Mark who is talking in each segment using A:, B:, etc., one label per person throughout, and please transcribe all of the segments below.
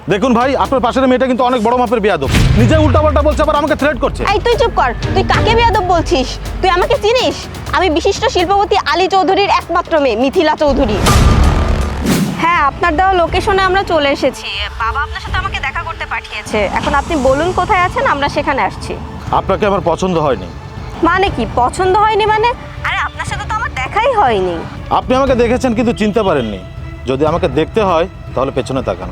A: দেখুন ভাই, আপনার পাশের মেয়েটা কিন্তু অনেক বড় মাপের বেয়াদব। নিজে উল্টাপাল্টা বলছে, আবার আমাকে থ্রেট করছে।
B: এই তুই চুপ কর। তুই কাকে বেয়াদব বলছিস? তুই আমাকে চিনিস? আমি বিশিষ্ট শিল্পপতি আলী চৌধুরীর একমাত্র মেয়ে মিথিলা চৌধুরী। হ্যাঁ, আপনার দেওয়া লোকেশনে আমরা চলে এসেছি। বাবা আপনার সাথে আমাকে দেখা করতে পাঠিয়েছে। এখন আপনি বলুন কোথায় আছেন, আমরা সেখানে আসছি।
A: আপনাকে আমার পছন্দ হয়নি।
B: মানে কি পছন্দ হয়নি মানে? আরে আপনার সাথে তো আমার দেখাই হয়নি।
A: আপনি আমাকে দেখেছেন কিন্তু চিনতে পারেননি। যদি আমাকে দেখতে হয় তাহলে পেছনে তাকান।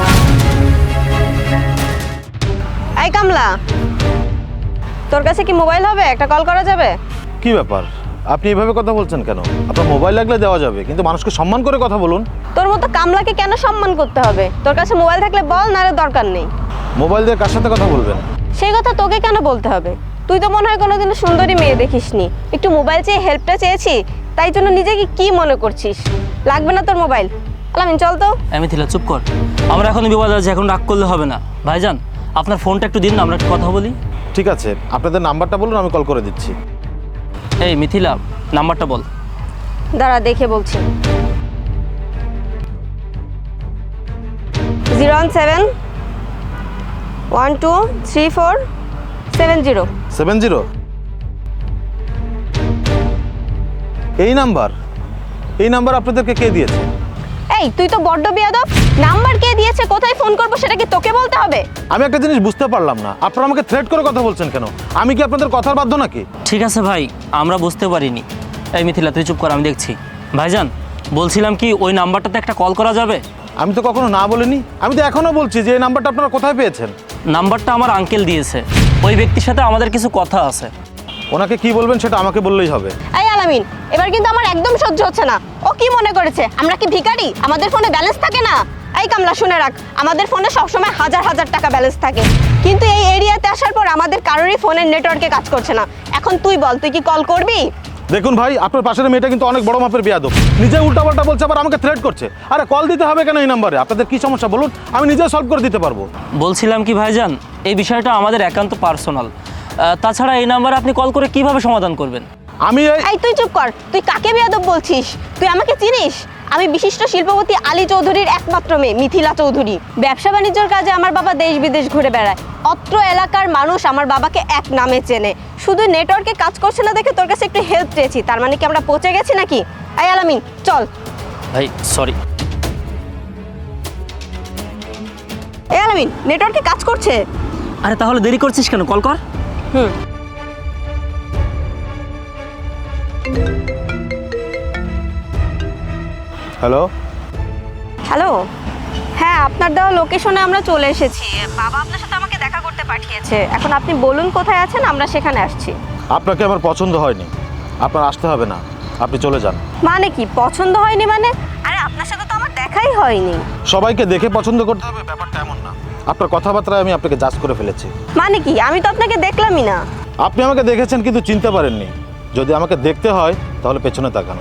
B: এই কামলা, তোর কাছে কি মোবাইল হবে? একটা কল করা যাবে?
A: কি ব্যাপার, আপনি এভাবে কথা বলছেন কেন? আপনার মোবাইল লাগলে দেওয়া যাবে, কিন্তু মানুষকে সম্মান করে কথা বলুন।
B: তোর মতো কামলাকে কেন সম্মান করতে হবে? তোর কাছে মোবাইল থাকলে বল, নারে দরকার নেই।
A: মোবাইল দিয়ে কার সাথে কথা বলবেন?
B: সেই কথা তোকে কেন বলতে হবে? তুই তো মনে হয় কোনোদিনও সুন্দরী মেয়ে দেখিসনি। একটু মোবাইল চেয়ে হেল্পটা চেয়েছি, তাই জন্য নিজেকে কি মনে করছিস? লাগবে না তোর মোবাইল। আলামিন চল তো।
C: মিথিলা চুপ কর, আমরা এখন বিবাদে আছি, এখন রাগ করলে হবে না। ভাইজান আপনার ফোনটা একটু দিন না, আমরা একটু কথা বলি।
A: ঠিক আছে, আপনাদের নাম্বারটা বলুন, আমি কল করে দিচ্ছি।
C: এই মিথিলা, নাম্বারটা বল।
B: দাঁড়া দেখে বলছি। 017123470।
A: 70? এই নাম্বার আপনাদেরকে কে দিয়েছে?
B: এই তুই তো বড্ড বেয়াদব। নাম্বার কে দিয়েছে, কোথায় ফোন করবো সেটা কি তোকে বলতে হবে?
A: আমি একটা জিনিস বুঝতে পারলাম না, আপনারা আমাকে থ্রেট করে কথা বলছেন কেন? আমি কি আপনাদের কথার বাধ্য নাকি?
C: ঠিক আছে ভাই, আমরা বুঝতে পারিনি। এই মিথিলা তুই চুপ কর, আমি দেখছি। ভাইজান বলছিলাম কি, ওই নাম্বারটাতে একটা কল করা যাবে?
A: আমি তো কখনো না বলিনি। আমি তো এখনো বলছি যে এই নাম্বারটা আপনারা কোথায় পেয়েছেন?
C: নাম্বারটা আমার আঙ্কেল দিয়েছে। ওই ব্যক্তির সাথে আমাদের কিছু কথা আছে।
A: ওনাকে কি বলবেন সেটা আমাকে বললেই হবে।
B: এই আলামিন, এবার কিন্তু আমার একদম সহ্য হচ্ছে না। ও কি মনে করেছে আমরা কি ভিখারি? আমাদের ফোনে ব্যালেন্স থাকে না? এই কামলা শুনে রাখ, আমাদের ফোনে সবসময় হাজার হাজার টাকা ব্যালেন্স থাকে, কিন্তু এই এরিয়াতে আসার পর আমাদের কারোরই ফোনের নেটওয়ার্কে কাজ করছে না। এখন তুই বল, তুই কি কল করবি?
A: দেখুন ভাই, আপনার পাশের মেয়েটা কিন্তু অনেক বড় মাপের বেয়াদব। নিজে উল্টাপাল্টা বলছে, আবার আমাকে থ্রেট করছে। আরে কল দিতে হবে কেন এই নাম্বারে? আপনাদের কি সমস্যা বলুন, আমি নিজে সলভ করে দিতে পারবো।
C: বলছিলাম কি ভাইজান, এই বিষয়টা আমাদের একান্ত পার্সোনাল। তাছাড়া এই নাম্বারে আপনি কল করে কিভাবে সমাধান করবেন?
A: আমি
B: এই তুই চুপ কর। তুই কাকে বেয়াদব বলছিস? তুই আমাকে চিনিস? আমি বিশিষ্ট শিল্পপতি আলী চৌধুরীর একমাত্র মেয়ে মিথিলা চৌধুরী। ব্যবসা বাণিজ্যের কাজে আমার বাবা দেশ বিদেশ ঘুরে বেড়ায়। অত্র এলাকার মানুষ আমার বাবাকে এক নামে চেনে। শুধু নেটওয়ার্কে কাজ করছে না দেখে তোর কাছে একটু হেল্প চেয়েছি, তার মানে কি আমরা পচে গেছি নাকি? এই আলামিন চল।
C: ভাই সরি।
B: এই আলামিন, নেটওয়ার্কে কাজ করছে।
C: আরে তাহলে দেরি করছিস কেন, কল কর।
A: হ্যালো।
B: হ্যালো, হ্যাঁ আপনার দেওয়া লোকেশনে আমরা চলে এসেছি। বাবা আপনার সাথে আমাকে দেখা করতে পাঠিয়েছে। এখন আপনি বলুন কোথায় আছেন, আমরা সেখানে আসছি।
A: আপনাকে আমার পছন্দ হয়নি, আপনার আসতে হবে না, আপনি চলে যান।
B: মানে কি পছন্দ হয়নি মানে? আরে আপনার সাথে তো আমার দেখাই হয়নি।
A: সবাইকে দেখে পছন্দ করতে হবে ব্যাপারটা এমন না। আপনার কথাবার্তায় আমি আপনাকে জাজ করে ফেলেছি।
B: মানে কি? আমি তো আপনাকে দেখলামই না।
A: আপনি আমাকে দেখেছেন কিন্তু চিনতে পারেননি। যদি আমাকে দেখতে হয় তাহলে পেছনে তাকান।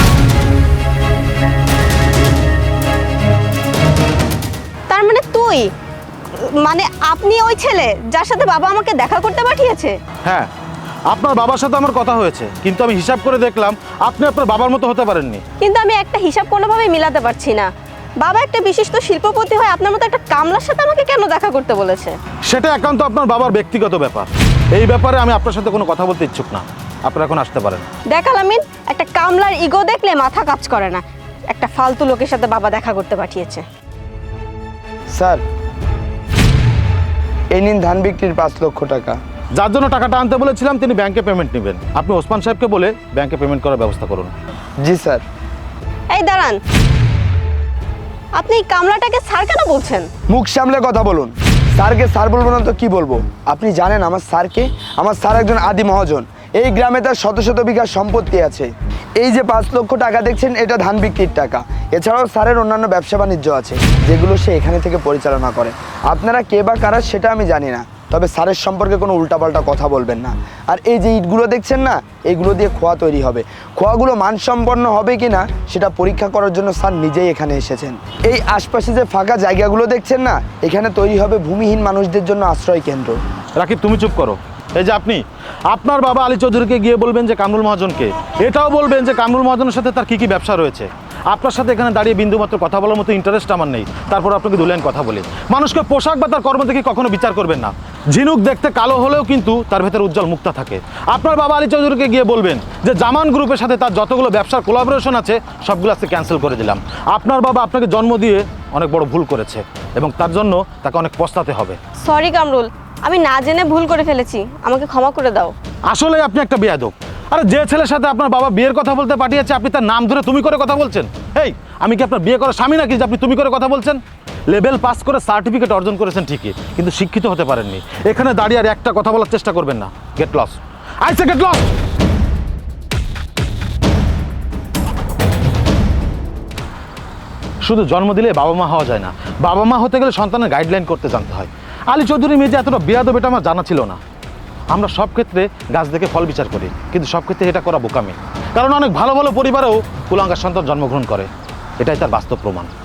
B: তার মানে তুই, মানে আপনি ওই ছেলে যার সাথে বাবা আমাকে দেখা করতে পাঠিয়েছে?
A: হ্যাঁ, আপনার বাবার সাথে আমার কথা হয়েছে, কিন্তু আমি হিসাব করে দেখলাম আপনি আপনার বাবার মতো হতে পারেননি।
B: কিন্তু আমি একটা হিসাব কোনোভাবেই মিলাতে পারছি না। বাবা একটা বিশিষ্ট শিল্পপতি হয় আপনার মতো একটা কামলার সাথে আমাকে কেন দেখা করতে বলেছে?
A: সেটা একান্ত আপনার বাবার ব্যক্তিগত ব্যাপার। এই ব্যাপারে আমি আপনার সাথে কোনো কথা বলতে ইচ্ছুক না। আপনারা এখন আসতে পারেন।
B: দেখ আলামিন, একটা কামলার ইগো দেখলে মাথা কাজ করে না। একটা ফালতু লোকের সাথে বাবা দেখা করতে পাঠিয়েছে।
D: স্যার, এই নিন ধান বিক্রির 5 লক্ষ টাকা।
A: যার জন্য টাকাটা আনতে বলেছিলাম তিনি ব্যাংকে পেমেন্ট নেবেন। আপনি ওসমান সাহেবকে বলে ব্যাংকে পেমেন্ট করার ব্যবস্থা করুন।
D: জি স্যার।
B: এই দাঁড়ান, আপনি এই কামলাটাকে স্যার কেন বলছেন?
D: মুখ সামলে কথা বলুন। স্যারকে স্যার বলবো না তো কি বলবো? আপনি জানেন আমার স্যারকে? আমার স্যার একজন আদি মহাজন। এই গ্রামে তার শত শত বিঘা সম্পত্তি আছে। এই যে 5 লক্ষ টাকা দেখছেন, এটা ধান বিক্রির টাকা। এছাড়াও স্যারের অন্যান্য ব্যবসা বাণিজ্য আছে, যেগুলো সে এখানে থেকে পরিচালনা করে। আপনারা কে বা কারা সেটা আমি জানি না, তবে স্যারের সম্পর্কে কোনো উল্টাপাল্টা কথা বলবেন না। আর এই যে ইটগুলো দেখছেন না, এইগুলো দিয়ে খোয়া তৈরি হবে। খোয়াগুলো মানসম্পন্ন হবে কি না সেটা পরীক্ষা করার জন্য স্যার নিজেই এখানে এসেছেন। এই আশপাশে যে ফাঁকা জায়গাগুলো দেখছেন না, এখানে তৈরি হবে ভূমিহীন মানুষদের জন্য আশ্রয় কেন্দ্র।
A: রাকিব, তুমি চুপ করো। এই যে আপনি আপনার বাবা আলী চৌধুরীকে গিয়ে বলবেন যে কামরুল মহাজনকে, এটাও বলবেন যে কামরুল মহাজনের সাথে তার কী কী ব্যবসা রয়েছে। আপনার সাথে এখানে দাঁড়িয়ে বিন্দুমাত্র কথা বলার মতো ইন্টারেস্ট আমার নেই। তারপর আপনাকে দু লাইন কথা বলি, মানুষকে পোশাক বা তার কর্ম দেখে কখনো বিচার করবেন না। ঝিনুক দেখতে কালো হলেও কিন্তু তার ভেতরে উজ্জ্বল মুক্তা থাকে। আপনার বাবা আলী চৌধুরীকে গিয়ে বলবেন যে জামান গ্রুপের সাথে তার যতগুলো ব্যবসার কোলাবোরেশন আছে সবগুলো আজকে ক্যান্সেল করে দিলাম। আপনার বাবা আপনাকে জন্ম দিয়ে অনেক বড় ভুল করেছে এবং তার জন্য তাকে অনেক পস্তাতে হবে।
B: সরি কামরুল, আমি না জেনে ভুল করে ফেলেছি, আমাকে ক্ষমা করে দাও।
A: আসলে আপনি একটা বেয়াদব। আরে যে ছেলের সাথে আপনার বাবা বিয়ের কথা বলতে পাঠিয়েছে আপনি তার নাম ধরে তুমি করে কথা বলছেন। এই আমি কি আপনার বিয়ে করার স্বামী নাকি যে আপনি তুমি করে কথা বলছেন? লেভেল পাস করে সার্টিফিকেট অর্জন করেছেন ঠিকই, কিন্তু শিক্ষিত হতে পারেননি। এখানে দাঁড়িয়ে আর একটা কথা বলার চেষ্টা করবেন না। Get lost, I say get lost. শুধু জন্ম দিলে বাবা মা হওয়া যায় না, বাবা মা হতে গেলে সন্তানের গাইডলাইন করতে জানতে হয়। আলী চৌধুরী মেয়ে যে এতটা বেয়াদব এটা আমার জানা ছিল না। আমরা সব ক্ষেত্রে গাছ দেখে ফল বিচার করি, কিন্তু সব ক্ষেত্রে এটা করা বোকামি। কারণ অনেক ভালো ভালো পরিবারেও কুলাঙ্গার সন্তান জন্মগ্রহণ করে, এটাই তার বাস্তব প্রমাণ।